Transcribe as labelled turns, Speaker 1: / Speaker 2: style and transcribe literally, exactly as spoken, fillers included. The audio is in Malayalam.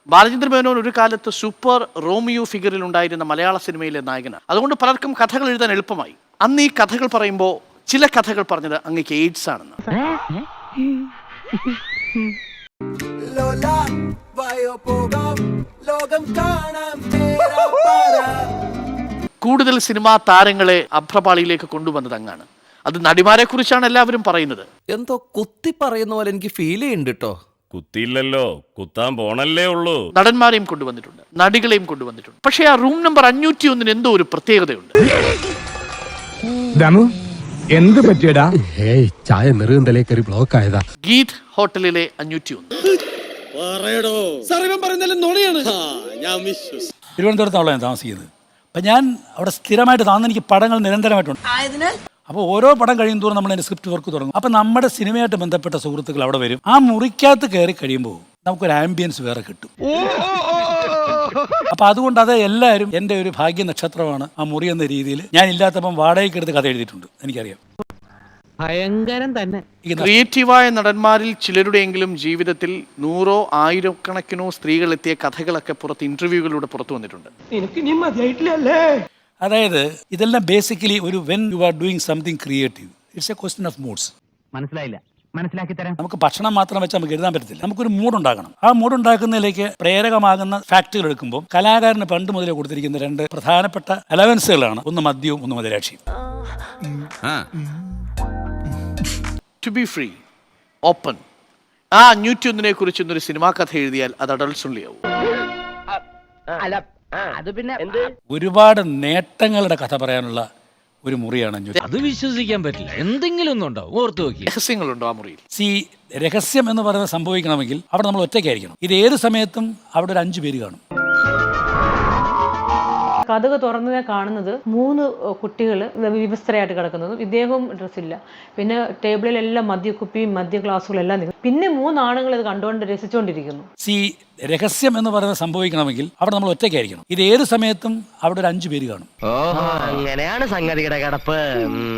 Speaker 1: ബാലചന്ദ്ര മേനോൻ ഒരു കാലത്ത് സൂപ്പർ റോമിയോ ഫിഗറിൽ ഉണ്ടായിരുന്ന മലയാള സിനിമയിലെ നായകനാണ്. അതുകൊണ്ട് പലർക്കും കഥകൾ എഴുതാൻ എളുപ്പമായി. അന്ന് ഈ കഥകൾ പറയുമ്പോൾ ചില കഥകൾ പറഞ്ഞത് അങ്ങേക്ക് എയ്ഡ്സ് ആണെന്ന്. കൂടുതൽ സിനിമാ താരങ്ങളെ അഭ്രപാളിയിലേക്ക് കൊണ്ടുവന്നത് അങ്ങാണ്. അത് നടിമാരെ കുറിച്ചാണ് എല്ലാവരും പറയുന്നത്.
Speaker 2: എന്തോ കുത്തി പറയുന്ന പോലെ എനിക്ക് ഫീൽ ചെയ്യുന്നുണ്ട് കേട്ടോ.
Speaker 3: കുത്തിയില്ലല്ലോ, കുത്താൻ പോണല്ലേ ഉള്ളൂ.
Speaker 1: നടന്മാരെയും കൊണ്ടുവന്നിട്ടുണ്ട്, നടികളെയും കൊണ്ടുവന്നിട്ടുണ്ട്. പക്ഷേ ആ റൂം നമ്പർ അഞ്ഞൂറ്റി ഒന്നിന് എന്തോ ഒരു പ്രത്യേകതയുണ്ട്.
Speaker 4: എന്ത് പറ്റിയടാ?
Speaker 5: ഏയ് ചായ നെറുകന്തലേ കയറി ബ്ലോക്ക് ആയതാ.
Speaker 1: ഗീത് ഹോട്ടലിലെ അഞ്ഞൂറ്റി ഒന്ന്.
Speaker 6: തിരുവനന്തപുരത്താണല്ലോ ഞാൻ താമസിക്കുന്നത്. അപ്പം ഞാൻ അവിടെ സ്ഥിരമായിട്ട് താന്ന് എനിക്ക് പടങ്ങൾ നിരന്തരമായിട്ടുണ്ട്. അപ്പോൾ ഓരോ പടം കഴിയും തോറും നമ്മൾ അതിൻ്റെ സ്ക്രിപ്റ്റ് വർക്ക് തുടങ്ങും. അപ്പം നമ്മുടെ സിനിമയായിട്ട് ബന്ധപ്പെട്ട സുഹൃത്തുക്കൾ അവിടെ വരും. ആ മുറിക്കകത്ത് കയറി കഴിയുമ്പോൾ നമുക്കൊരു ആംബിയൻസ് വേറെ കിട്ടും. അപ്പം അതുകൊണ്ട് അത് എല്ലാവരും എൻ്റെ ഒരു ഭാഗ്യ നക്ഷത്രമാണ് ആ മുറി എന്ന രീതിയിൽ. ഞാൻ ഇല്ലാത്തപ്പം വാടകയ്ക്ക് എടുത്ത് കഥ എഴുതിയിട്ടുണ്ട്, എനിക്കറിയാം.
Speaker 7: ഭയങ്കരം തന്നെ.
Speaker 1: ക്രിയേറ്റീവായ നടന്മാരിൽ ചിലരുടെയെങ്കിലും ജീവിതത്തിൽ നൂറോ ആയിരക്കണക്കിനോ സ്ത്രീകൾ എത്തിയ കഥകളൊക്കെ പുറത്ത് ഇന്റർവ്യൂകളിലൂടെ പുറത്തു വന്നിട്ടുണ്ട്.
Speaker 6: അതായത് ഇതെല്ലാം ബേസിക്കലി ഒരു when you are doing something creative, it's a question of moods.
Speaker 7: മനസ്സിലായില്ല, മനസ്സിലാക്കി തരാം.
Speaker 6: നമുക്ക് ഭക്ഷണം മാത്രം വെച്ച് നമുക്ക് എഴുതാൻ പറ്റത്തില്ല. നമുക്കൊരു മൂഡ് ഉണ്ടാകണം. ആ മൂഡ് ഉണ്ടാക്കുന്നതിലേക്ക് പ്രേരകമാകുന്ന ഫാക്ടുകൾ എടുക്കുമ്പോൾ കലാകാരന് പണ്ട് മുതലേ കൊടുത്തിരിക്കുന്ന രണ്ട് പ്രധാനപ്പെട്ട അലവൻസുകളാണ്, ഒന്ന് മദ്യവും ഒന്ന് മദിരാക്ഷിയും.
Speaker 1: To be free, open. ആ അഞ്ഞൂറ്റി ഒന്നിനെ കുറിച്ച് ഇന്നൊരു സിനിമാ കഥ എഴുതിയാൽ അത് അഡൾട്ട്സ് ഓൺലി ആവും.
Speaker 7: അത് പിന്നെ
Speaker 6: ഒരുപാട് നേട്ടങ്ങളുടെ കഥ പറയാനുള്ള ഒരു മുറിയാണ് അഞ്ഞൂറ്റി.
Speaker 8: അത് വിശ്വസിക്കാൻ പറ്റില്ല. എന്തെങ്കിലും ഒന്നും ഉണ്ടാവും, ഓർത്തു നോക്കി.
Speaker 1: രഹസ്യങ്ങളുണ്ടോ ആ മുറിയിൽ?
Speaker 6: സി രഹസ്യം എന്ന് പറയുന്നത് സംഭവിക്കണമെങ്കിൽ അവിടെ നമ്മൾ ഒറ്റയ്ക്കായിരിക്കണം. ഇത് ഏത് സമയത്തും അവിടെ ഒരു അഞ്ചു പേര് കാണും.
Speaker 9: കഥക തുറന്നതേ കാണുന്നത് മൂന്ന് കുട്ടികൾ വിവസ്ത്രയായിട്ട് കിടക്കുന്നതും ഇദ്ദേഹവും ഡ്രസ്സില്ല. പിന്നെ ടേബിളിലെല്ലാം മദ്യക്കുപ്പിയും മദ്യ ഗ്ലാസുകളും എല്ലാം നിൽക്കും. പിന്നെ മൂന്നാണുങ്ങൾ ഇത് കണ്ടുകൊണ്ട് രസിച്ചുകൊണ്ടിരിക്കുന്നു.
Speaker 6: സി രഹസ്യം എന്ന് പറയുന്നത് സംഭവിക്കണമെങ്കിൽ അവിടെ നമ്മൾ ഒറ്റയ്ക്കായിരിക്കണം. ഇത് ഏത് സമയത്തും അവിടെ ഒരു അഞ്ചു പേര് കാണും.
Speaker 7: അങ്ങനെയാണ് സംഗതിയുടെ കിടപ്പ്.